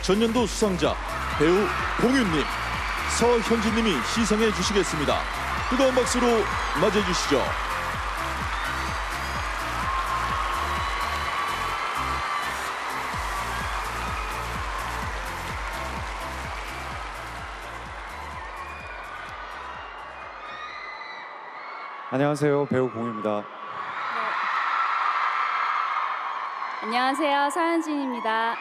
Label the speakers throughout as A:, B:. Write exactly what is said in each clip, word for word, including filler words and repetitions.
A: 전년도 수상자 배우 공윤님, 서현진님이 시상해 주시겠습니다. 뜨거운 박수로 맞이해 주시죠.
B: 안녕하세요, 배우 공입니다.
C: 안녕하세요, 서현진입니다.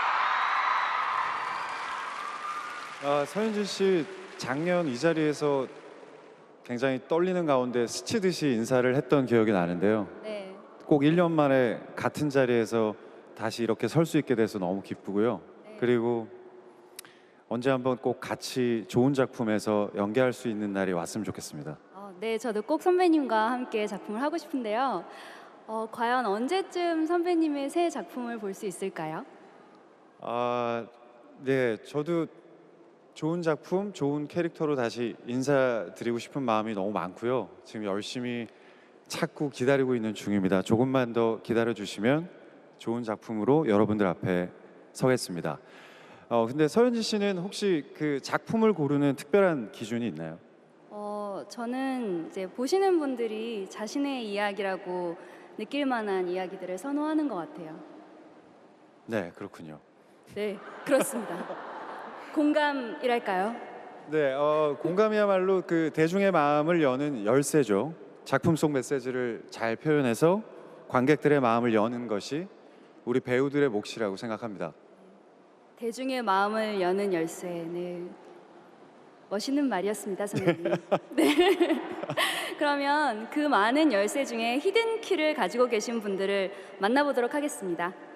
B: 아, 서현진 씨 작년 이 자리에서 굉장히 떨리는 가운데 스치듯이 인사를 했던 기억이 나는데요.
C: 네,
B: 꼭 일 년 만에 같은 자리에서 다시 이렇게 설 수 있게 돼서 너무 기쁘고요.
C: 네.
B: 그리고 언제 한번 꼭 같이 좋은 작품에서 연기할 수 있는 날이 왔으면 좋겠습니다.
C: 어, 네, 저도 꼭 선배님과 함께 작품을 하고 싶은데요. 어, 과연 언제쯤 선배님의 새 작품을 볼 수 있을까요?
B: 아, 네, 저도 좋은 작품, 좋은 캐릭터로 다시 인사드리고 싶은 마음이 너무 많고요. 지금 열심히 찾고 기다리고 있는 중입니다. 조금만 더 기다려 주시면 좋은 작품으로 여러분들 앞에 서겠습니다. 어, 근데 서현진 씨는 혹시 그 작품을 고르는 특별한 기준이 있나요?
C: 어, 저는 이제 보시는 분들이 자신의 이야기라고 느낄 만한 이야기들을 선호하는 것 같아요.
B: 네, 그렇군요.
C: 네, 그렇습니다. 공감이랄까요?
B: 네, 어, 공감이야말로 그 대중의 마음을 여는 열쇠죠. 작품 속 메시지를 잘 표현해서 관객들의 마음을 여는 것이 우리 배우들의 몫이라고 생각합니다.
C: 대중의 마음을 여는 열쇠. 네, 멋있는 말이었습니다, 선배님. 네. 그러면 그 많은 열쇠 중에 히든 키를 가지고 계신 분들을 만나보도록 하겠습니다.